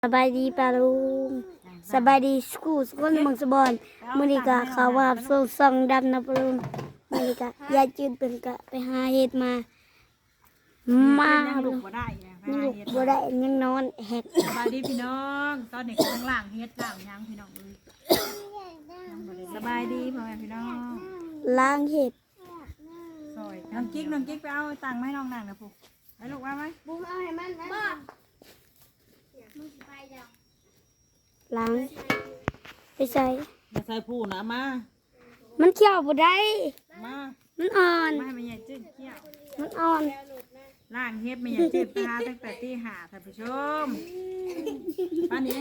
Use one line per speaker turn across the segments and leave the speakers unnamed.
สบายดีปาลุงสบายดีสกูสกุลเมืองสบอนมื้อนี้ก็เขาว่าส่งดำนะปาลุงมื้อนี้ก็ยายจืดเป็นก็ไปหาเห็ดมา
ยังลุกบ่ได้ยัง
ลูกบ่ได้ยังนอนแฮก
สบายดีพี่น้องตอนนี้กำลังล้างเฮ็ดล้างยังพี่น้องเลยสบายดีพ่อแม่พี่น้อง
ล้างเห็ด
ซอยน้องกิ๊กไปเอาตังค์มาให้น้องนั่งนะปุ๊ให้ลูกว่าไหม
บุ้มเอาให้มันนะล้างไปใส่
มาใส่ผู้นะมา
มันเคี่ยวบ่ได้
มา
มันอ่อน
มาให้แม่ใหญ่จืดเกี้ยว
มันอ่อน
ล้างเฮ็ดแม่ใหญ่จืดไปหาตั้งแต่ตีห้าท่านผู้ชมป้านี้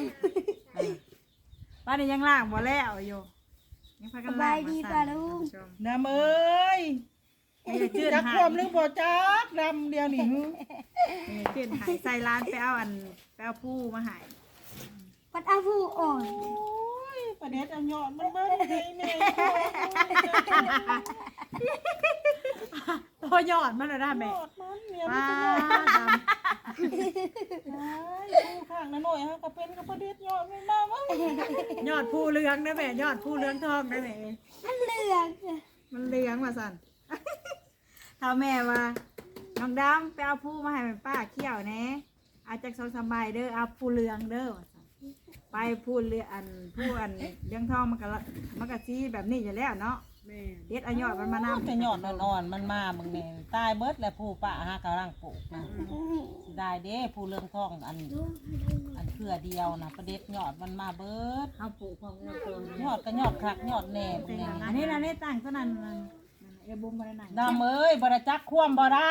ยังล้างบ่แล้วอยู่ยังพากันล้างมาสั่นท่านผู้ชม
ดำเอ้ย
แม่ใหญ่จืด
จัก
หา
ควมหรือบ่จักดำเดียวนี่
แม่ใหญ่จืดหายใส่ร้านไปเอาผู้มาใหาย
ปัดเอาผู้อ่อน
โอ้ยประเด็ดอันยอดมันเบิ้ลให้แม่
ตัวยอดมันเลยนะแม่
ยอดมันเนี่ย
ป้า
ผู้ข้างนะหน่อยฮะก็เป็นกับประเด็ดยอดมันมามั้ง
ยอดผู้เหลืองนะแม่ยอดผู้เหลืองทองนะแม่
มันเหลือง
มันเหลืองมาสั่น ถ้าแม่ว่าน้องดำไปเอาผู้มาให้ป้าเขี้ยวแน่อาจจะสบายเด้อเอาผู้เหลืองเด้อว่าซั่นไปผู้เหลืองผู้เหลืองทองมันก็สีแบบนี้อยู่แล้วเนาะเด็ดเอายอดมันมานำ
แต่ยอดอ่อนๆมันมามึงเนี่ยตายเบิดแล้วผู้ป่าหากำลังปลูกนะสิได้เด้ผู้เรื่องท้องอันเพื่อเดียวนะประเด็ดยอดมันมาเบิด
เอาปลูกของเราตัวย
อดก็ยอดครักยอดแหน่มึงเนี่ย
อันนี้นะนี่ตั้งเท่านั้นเอบุ้มมาได้ไหน
ดำเอ้ยบริจักคว่ำบ่ด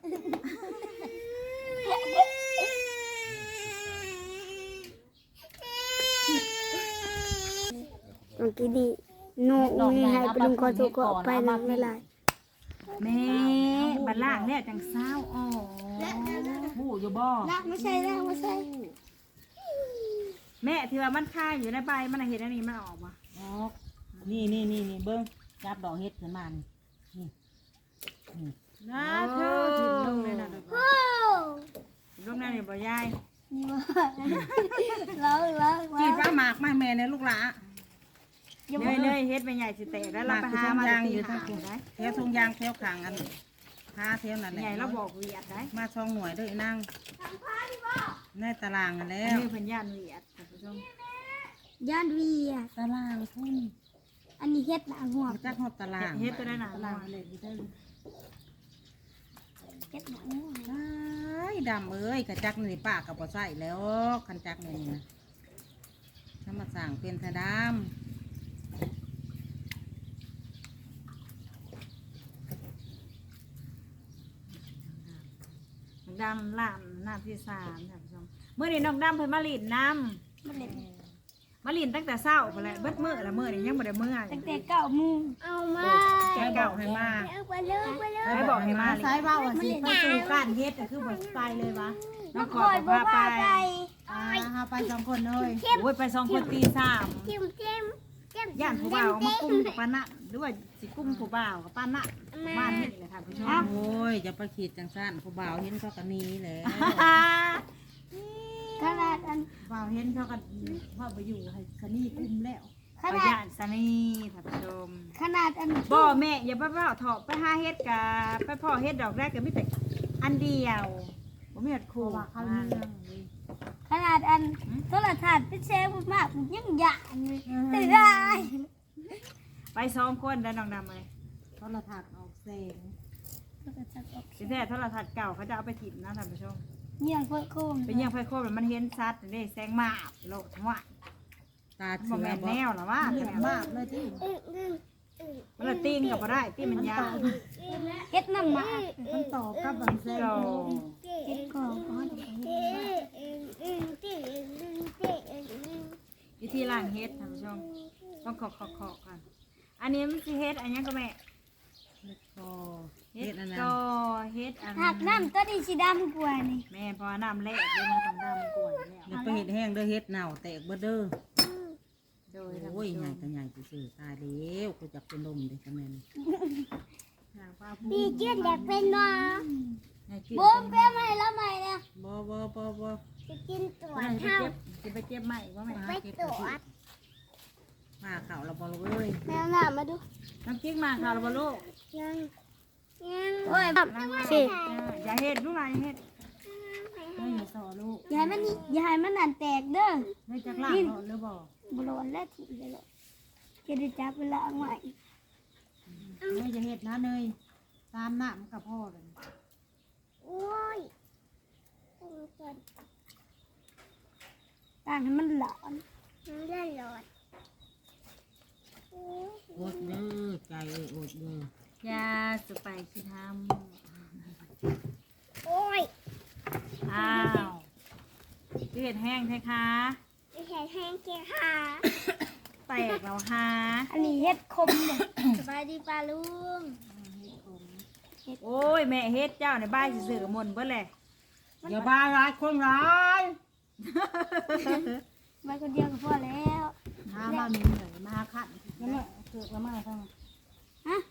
เมื่อกี้นี่โน่มีให้ปลุงขอโทษขออภัยนะไม่ไร
แม่บัดล่างเนี่ยจังเศร้าอ๋อ
ำผู้อยู่บ่
ละไม่ใช่ละไม่ใช่
แม่ที่ว่ามันคาอยู่ในใบมันเห็นอันนี้มันออกมา
อ๋อนี่เบิ้งจับดอกเฮ็ดขึ้นมานี่นี่
นะเธอถิ่นลงเลยนะลงนั่นนี่บ่ยาย
แล้ว
กินปลาหมากมาแม่เนี่ยลูกหลา
เนยเฮ็ดไปใหญ่สิเตะแล้วเราไปหามาอยู่ทั้งคู่ได้
แถวทงยางแถวขางอันหาแถวนั่นแหละ
ใหญ่เราบอกเวียดได้
มาช่องหน่วยเด้วยนั่งในตารางกันแล้
อัน
ว
นี้เพิ่นย่านเวียดท่านผู้ชม
ย่านวีอ่ะ
ตารางพุ่น
อันนี้เฮ็ดหนาหัว
จักหอบตาราง
เฮ็ดตัวได้หนา
ตารางเลยที่ได้
เฮ็ดหนาหัว
ดำเอ้ยกระจักนี่ป้ากับบ่ใส่แล้วคันจักนี่นะถ้ามาสั่งเป็นทะดาม
ดำล่ามน้ำที่3ท่านผู้ชมเมื่อนี้น้องดำเพิ่นมาลีดน้
มันเล็ด
ำมาลีดตั้งแต่เช้าไปแล้วเบิดมื้อละมื้อนี่ยังบ่ได้มื้อ
ตั้งแต่9 โมงเอามา
แกเก่าให้มา
ไปเลย
ให้บอกให้มาซ้ายเว้าว่าสิไปสู่การเฮ็ดก็คือบ่ไปเลยวะน้องขอพาไปพาไป2คนเลยโอ้ยไป2คนตี3 ย่านผู้บ่าวเอามากุ้มกับป้านะหรือว่าสิกุ้มผู้บ่าวกับป้านะบ้านนี่แหละค่ะผู้ชม
โอ้ยจะไปขีดจังสั้นผู้บ่าวเห็นเขากันนี้แหละ
ขนาดอัน
บ่าวเห็นเขากันว่าไปอยู่ให้สนีกุ้มแล้ว
ข
เอา
นา
ย่า
ด
นสนีค่ะผู้ชม
ขนาดอัน
บ่แม่อย่าไปเผาเถาะไปหาเฮ็ดกะไปพ่อเฮ็ดดอกแรกก็มีแต่อันเดียวบ่มีเฮ็ดคู่ว่าเขาเรื่อง
ขนาดอันโทรทัศน์เป็นเซลล์มากยังหยาดเลยแต่ได้
ไป2คนได้น้องดำเลย
โทรทัศน์ออกแสง
สิแท้โทรทัศน์เก่าเขาจะเอาไปถิ่มนะท่านผู้ชม
เยี่ยงเพื่อโคม
เป็นยังไฟโคบมันเห็นชัดนี่แสงมาบโลดทั้งว่า
ตา
บ่
เสือ
แม่น
บ่
แนวหรอวะ
เหลืองมากเลยที่
มันละตีนกับบ่ได้ตีนมันยาว
เฮ็ดน้ำมา
มันต่อกับบังเซล
เฮ็ดก่อน
วิธีล้างเฮ็ดท่านผู้ชมต้องขอกันอันนี้มันสิเฮ็ดอันยังก็แม่
ก็
เฮ็
เฮ็
ด
ดอันนั้น
ก็เฮ็ดอัน
หักน้ำตัวนี้สีดำกว่านี่
แม่พอน้ำแรกเดี๋ยวมันต้องดำกวนแล้ว
เดี๋ยวไปเฮ็ดแห้งเด้อเฮ็ดเน่าแตกเบิดเด้อ
โดยท่าน
โอ้
ผู้
ย
ช
ใหญ่
ม
ก็ใหญ่ซื่อๆตายแล้วกูจักเป็นลมเด้อจังแม่น
หางปลาผู้
ดีเจียนอยากเป็นน้อง
ให้ชื่อ
บูมเปี้ยใหม่แล้วใหม่เนี่ย
บ่
จะกินตัว
ไป
เท่า
จะไปเจ็บใหม่ว่าไหม
ไปตัว
มาเข่าเราบอลเอ้ย
แมวหน้ามาดู
น้ำจิ้งมาข่าวเราบ่ลูก
ยังโอ้ยสิ
อย่าเฮ็ดลูกหลานอย่าเฮ็ดไม่อย่าสอลูก
อย่าให้มันอย่าให้มันนั่นแตกเด้อ
ไม่จักล่างเขาหรือบ่
บร้อนแล้วทีเดียวจะได้จับเวลาใหม่
ไม่จะเฮ็ดนะเนยตามน้ำกับพ่อเลย
โอ้ยต่างให้มันร้อนมันได้ร้อน
อดเด้อใจอดเด้อย
าสไปคือท
โอ้ย
ำอ้าวเฮ็ดแห้งแท้คะ
ไม่ใช่แห้งเกี๊ยวค่ะ
แตกแล้วค่ะ
อันนี้เฮ็ดคมเลยสบายดีป้าลุง
โอ้ยแม่เฮ็ดเจ้าในบ้านสิซื้อกับมนต์เบิดแหละ
อย่าบ้าร้ายคนร้าย
มาคนเดียวก็พอแล้ว
มาบ้านมีเหนื่อยมาขัน
แล้วแม่เกิดละมาทั้ง
ฮะ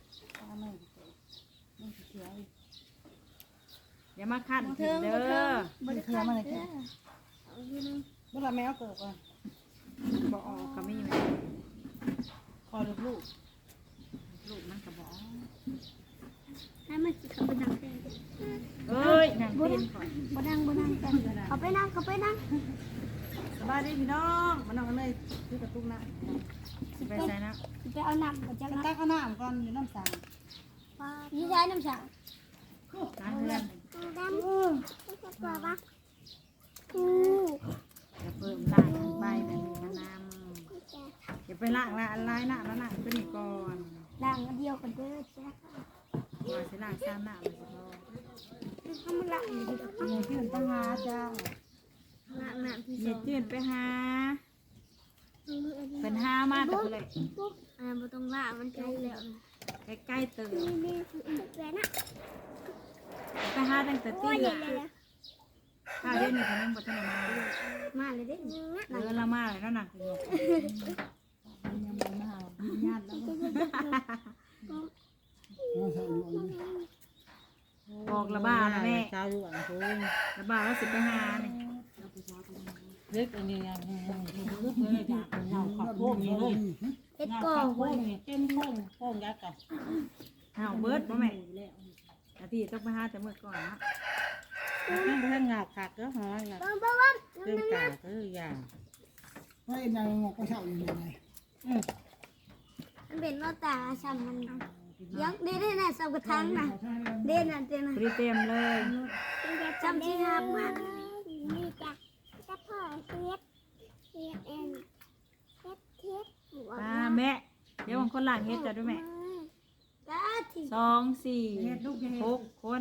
อย่ามาขัน
บ่
เด้
เทิงบ่เทิ
อง
บ่ได้คันเด้อ
เมื่อไรแมวเกิดก่อน
บ่ออกก็มีแม่
คอยลูก
ลูกมันก็บ่ออก
ให้มันสิเข้าไปนั่งแทน
เอ้ยนั่งตีนก่อน
บ่นั่งกันเขาไปนั่ง
สบายดีพี่น้องมาน้องกันเลยซื้อกระตุกนะไปใส่นะ
สิไปเอาน้ำก็จะ
ตั้งข้าวหน้าก่อนอยู่น้ำสาง
ยี่ใช้น้ำฉาง
ล้างเพื่อน
ดำกลัวปะ
จะเพิ่มล้างใบแบบนี้มานำอย่าไปล้างละลายหน้าแล้วล้างตัวนี้ก่อน
ล้างเดียวกันเด้อจ้ะ
ว่าสิล้างซ้ำหน้าเลยสิพ่อ
ทำมันล้างอยู่ดี
เงินที่มันตั้งหาจ้า
ล้างน้ำที่ส
เย็
อน ง
จืดไปหาเป็นหามาแต่เลย
บ่ต้องล้างมันไกลแล้ว
ใกล้ๆตื่น
นี่แหวนน่ะ
ไปหาตั้งแต่ตีละถ้าเด่นนี่เขานั่งบนถนนมา
มาเลยเด้
ละมาเลยแล้วหนักอยู่
ยังไม่มาเอาญาติแล้ว
บอกละบ้าละแม่
เช้าอยู่อ่างทุ่ง
ละบ้าแล้วสิไปหาเนี่ย
เล็กอันนี้ยังลึกเลยจ้ะเงาขับพวกนี้ลูก
เฮ็ด
เงา
ก่อ
ขับพวกนี้เต็มโค้งยักษ์กัน
เอาเบิร์ดบ่แม่แต่พี่ต้องไปหาแต่เมื่อก่อนนะ
เพิ่งเงาขักก็หอยนะ
บ้าง
เรื่องกาก็อย่าง
เฮ้ยนายงอกก็เช่าอยู่ยังไง
มันเป็นว่าตาช้ำมันยังได้น่ะสับกระทังน่ะเด่นน่ะเด่นน่ะ
พอดีเต็มเลย
จำที่หักมากนี่จ้ะจะพ่อเฮ็ดเองเฮ็ด
มาแม่เดี๋ยวบางคนหลังเฮ็ดจะด้วยแม่
จ้าที่
2 4 6 คน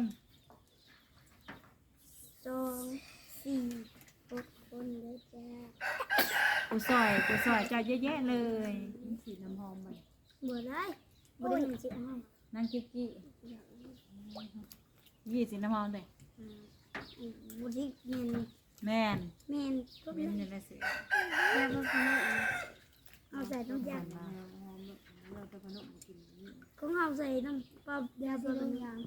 2 4 6คนเลยจ้า
กูซอยเจ้าเยอะแยะเลยสีน้ำหอมมัน
บ่ได้บ่ได้สิเอา
นั่งกิ๊กกี้ยี่สีน้ำหอมเลย
บ่ได้เงิน
แม่น
แม่นก็
เม็
แม่
น
น
อยู่ในเสือ
แล้วก็ขนมเอาใส่น้ำยาของเอาใส่น้ำปลาเดียวเป็นอย่าง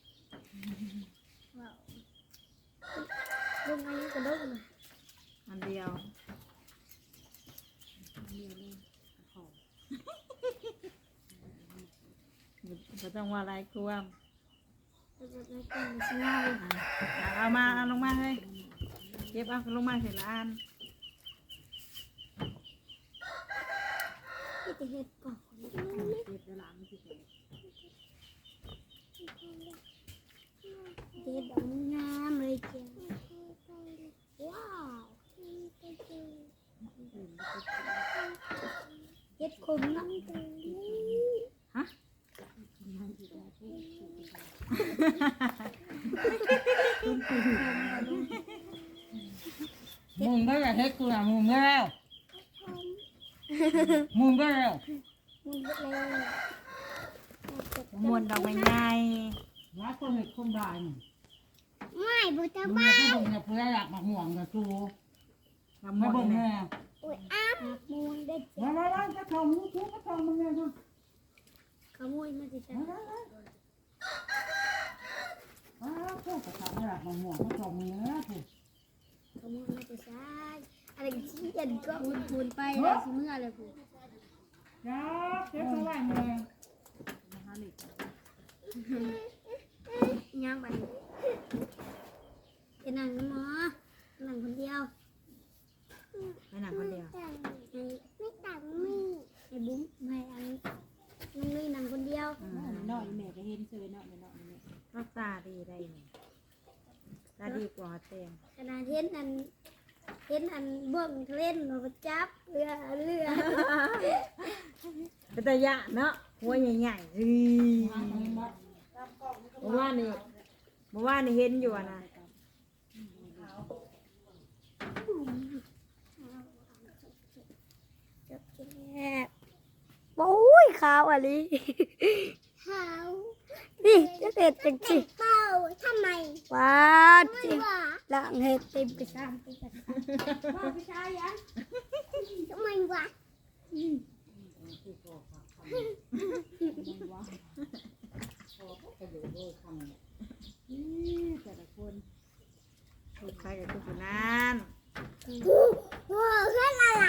ว้าวลงอันนี้ก็ได้เลย
อันเดียวก็ต้องว่าอะไรครัว
แล้วก็ได้กินสงาย
เอามาเอาลงมาเฮ้ยเก็บเอาลงมาเสร็จละอัน
ที่จะเฮ็ดก่อน
เก็บเดี๋ยวหลังสิเก็บ
เฮ็ดดอกงามเลยจ้ะว้าวเฮ็ดคมนะ
ฮะ
มุมก็จะเฮ็ดกูนะมุมก็แล้วมุมก็แล้ว
มันเล็ก
มวนดอกไม้ใหญ่
ร้านคนเห็ดคนได้นี่
ไม่บุตร
มึง
บ้า
ไม่บ่งเนี่ยเพื่ออยากมาห่วงกับจู
ละม
ไม่
วน
บ่ง
เนี่
แน่
ย
อุ้ยอ้ามมูนได้จ้ะ
มาจะทำมึงกูก็ทำมึงไงครับ
ขโมยมาสิจ้ะ
พวกกระทำไม่อยากมาห่วงก็ทำมึงนะถูก
เขามองน่าจะใช่อะไรที่เย็นก็บุญไปเลยสิเมื่อเลยผู้
ยับเก็บสบายเลย
ย่างไปจะนั่งหมอนั่งคนเดียว
ไปหนังคนเดียว
ไม่ต่างมีไอ้บุ้มไม่อันน้องนี่นั่งคนเดียว
น้อยแม่ก็เห็นเฉยน้อยน้อยนี่
ก็ตาดีได้เนี่ยตาดีกว่าเตียง
ขนาดเห็นอันเบื้องเล่นเราไปจับเรือ
เป็นตาหยะเนาะหัวใหญ่ๆเมื่อวานนี่เห็นอยู่อะนะ
โอ้ยขาวอะไรขาวนี่จะเห็ดจังสิเป้าทำไมว้าจริงหลังเห็ดเต็มไปซ้ำไปกันพ่อพี่ชายยังทำไมวะ
แต่ละคน
ถูกใครกับทุกคนนั้น
ว้าวขึ้นอะไร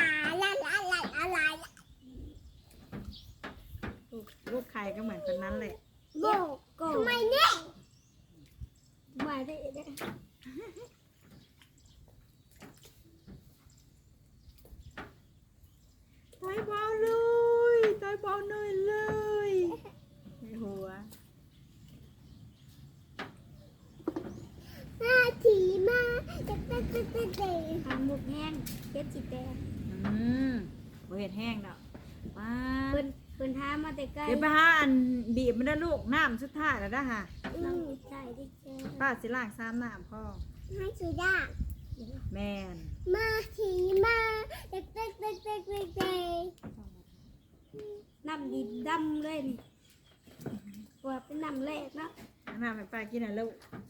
ลูกใครก็เหมือนคนนั้นเลย
โบกทำไมเนี่ยมาได้เนี่ย
ตายเบาเลยตายเบาหน่อยเลยในหัว
มาถีมาเด็กทำหมกแห้งเก็บจิตแดง
บ่เห็ดแห้งดอกว้า
เพิ่นท้ามาแต่ใกล้
เดี๋ยวไปหาอันบีบมันได้ลูกน้ำสุดท้ายแล้วนะฮะ
ใช่ดิแก
ป้าสิล้างซ้ำน้ำพ่อ
ให้สุดา
แมน
มาถีมาเด็กน้ำดินดำเลยนี่ว่าเป็นน้ำแรกเนาะ
น้ำให้ป้ากินหน่อยลูก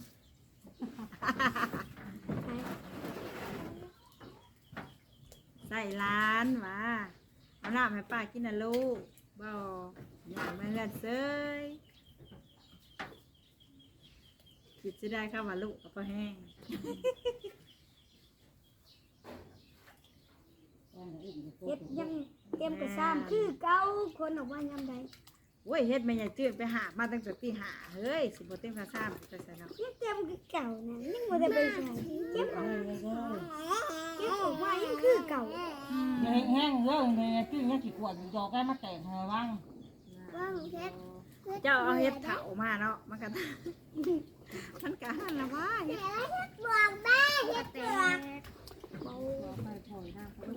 ใส่ร้านมาเอาน้ำให้ป้ากินหน่อยลูกบ่อย่างมาเฮือนเซยคิดจะได้เข้ามาลูกกับพ่อแห้ง
เฮ็ดยังเต็มกระซ้ำคือเก่าคนออกมายามใด
โอ้ยเฮ็ดแม่ใหญ่จืดไปหามาตั้งแต่ตีหาเฮ้ยสิบ่เต็มกระซ้ำจะใส่เนาะ
ยังเต็มคือเก่านะยังบ่ได้ไปใส่เก็บออกมายังคือเก่า
แห้งเรื่องเลยตื้อเนี่ยกี่ขวดดอกแก้มาแต่งเหรอบ้าง
ว่างเฮ็ด
เจ้าเอาเฮ็ดเถามาเนาะมันก็ มันก็หันละว่าเฮ็ด
บวกแม่เฮ็ดบวกเบา
ไปถอยหน้าเขา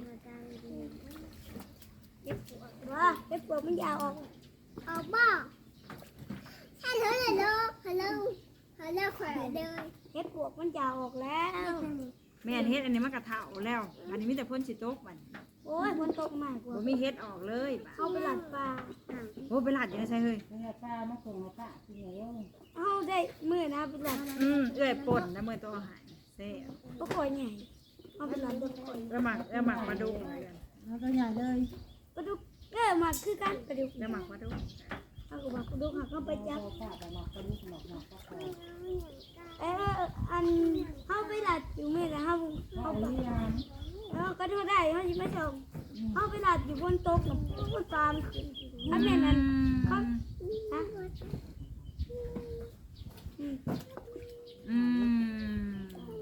เฮ็ดบวกว่าเฮ็ดบวกมันยาวออกออกบ่ฮัลโหลขอเลยเฮ็ดบวกมันยาวออกแล้ว
แม่นเฮ็ดอันนี้มันก็เถาแล้วอันนี้มีแต่พ่นสิตกมัน
โอ้ยฝนตกมากกว่า
บ่มีเฮ็ดออกเลยบ่า
เอาไปหลัดปลา
โอ้ไปลาดอยู่ในใส่เฮ้ย
เนี่ยป้ามาส่งมาป้ากินเหนียว
เอาได้มื้อนะไปหลัด
เอื้อยป่นแล้วมื้อตัวเอาหายเซ่
บ่ค่อยใหญ่เอาไปหลัดบ่ค่อย
แล้วหมักมาดูเหมือนกัน
แล้วก็ใหญ่เลย
ปลาดุกมาคือกันปลาดุก
แล้วหมักมาดู
เอาก็บอกปลาดุกหาเข้าไปจับ
ป้าไปมาก็รู้หนอกหนอกก็พอ
อันเฮาไปหลัดอยู่มื้อนะเฮา
เอาเรียน
ก็ดูได้เฮาสิมาส่งเฮาไปหลัดอยู่บนโต๊ะกับตามอันนั้นเขาฮะ
อืม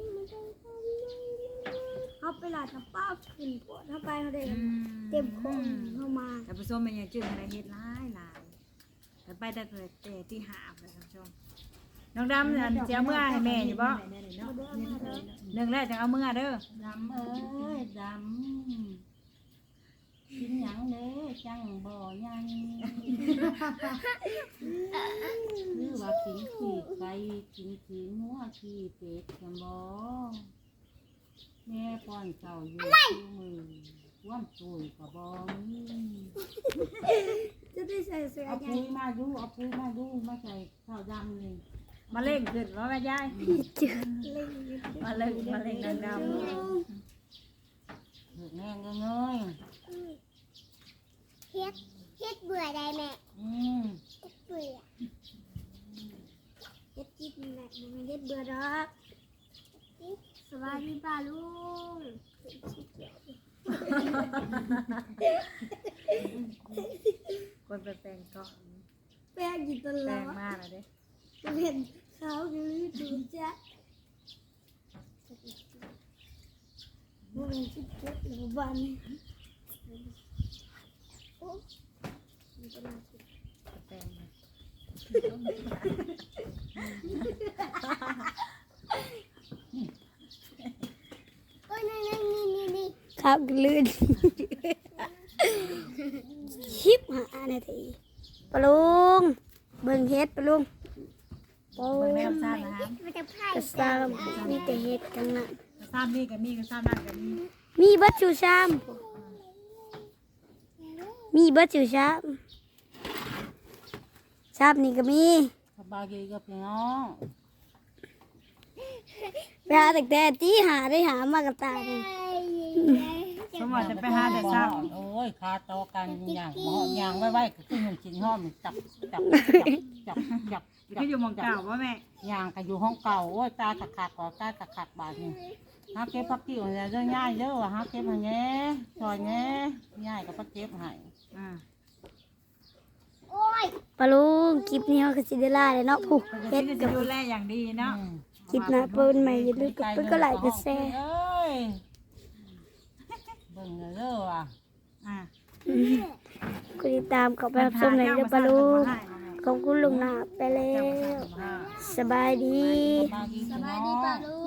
เขาไปหลาดน้ำป้าขึ้นปวดเข้าไปเขาได้เต็มคองเข้ามา
แต่ผู้ชมเป็นยังจืดอะไรเฮ็ดหลายแต่ไปแต่เกิดแต่ที่หาบเลยท่านผู้ชมน้องดำอันเจ้าเมื่อให้แม่อยู่บ่หนึ่งแรกจะเอาเมื่อเด้อ
ดำเอ้ยดำกินหยังเด้จังบ่ยังคือว่ากินขี้ไก่กินขี้งัวขี้เป็ดกันบ่แม่ป้อนเจ้าอยู่มือว่ำตุยกับบ่มี
จะได้ใส่เสื้อ
เอา
ใหญ่
ปุ๋ยมาดูเอาปุ๋ยมาดูมาใส่ข้าวดำนี่
มาเล่งขึ้นว่าแม่ยาย
จืดเลย
มาเล่งน้องดำ
เห็ดแห้งเงย
เฮ็ดเบื่อได้แม่ เบื่อเฮ็ดกินแหละมันเฮ็ดเบื่อดอกสวัสดีป้าลุง
คนไปแปลงก่อน
แป้งอยู่ตล
แปล
อง ด
มากเลยเด้
จะเห็นเขาอยู่ดูจ้ะมันเป็นชิบเจ็บหรือบ้านนี่
แปลงนะ
ครับลื่นชิบหานาทีปะลุงเบิ่งเฮ็ดปะลุงโอ้
เบิ่ง
ย
แนวซ่านนะคะ
กระซามมีแต่เฮ็ดกันนะ
ซ่านนี่กับมีกับซ่านนั่นกับมี
มีเบัดชูชามมีเบัดชูชามชามนี่ก็มี
สบายดีกับพี่น้อง
ไปหาแต่ตีหาได้หามากระตายเลย
สมมติจะไปหาแต่ซ่าน
โอ้ยคาโตอกันอย่างหอมอย่างไว้ก็คือหนุ่มชิ้นหอมจับจับจับจับจับ
ก็อยู่หมองเก่าว่าแม่
อย่างก็อยู่ห้องเก่าโอ้ยตาตะขาดก่อตาตะขาดบาดนี่หาเก็บพักกิ้วเนี่ยเรื่องง่ายเยอะว่ะหาเก็บให้แง่ซอยแง่ง่ายกับพักเก็บให้
อ่า
ปะลุงคลิปนี้เขาก็สิได้ล่าเลยเนาะผู้
เฮ็
เฮ็
ด
ด
จะ
กับ
ดูแลอย่างดีเนาะ
คลิปหน้าเปิ้นใหม่อย่าลืมกดเปิ้นก็ไลค์กดแชร์
เอ้ยเบิ่งเลยเด้อว่ะ
อ่า
กดติดตามกับไปรับชมในเด้อปะลุงขอบคุณลุงหน้าไปแล้ว สบายดี
สบายดีพี่น้อง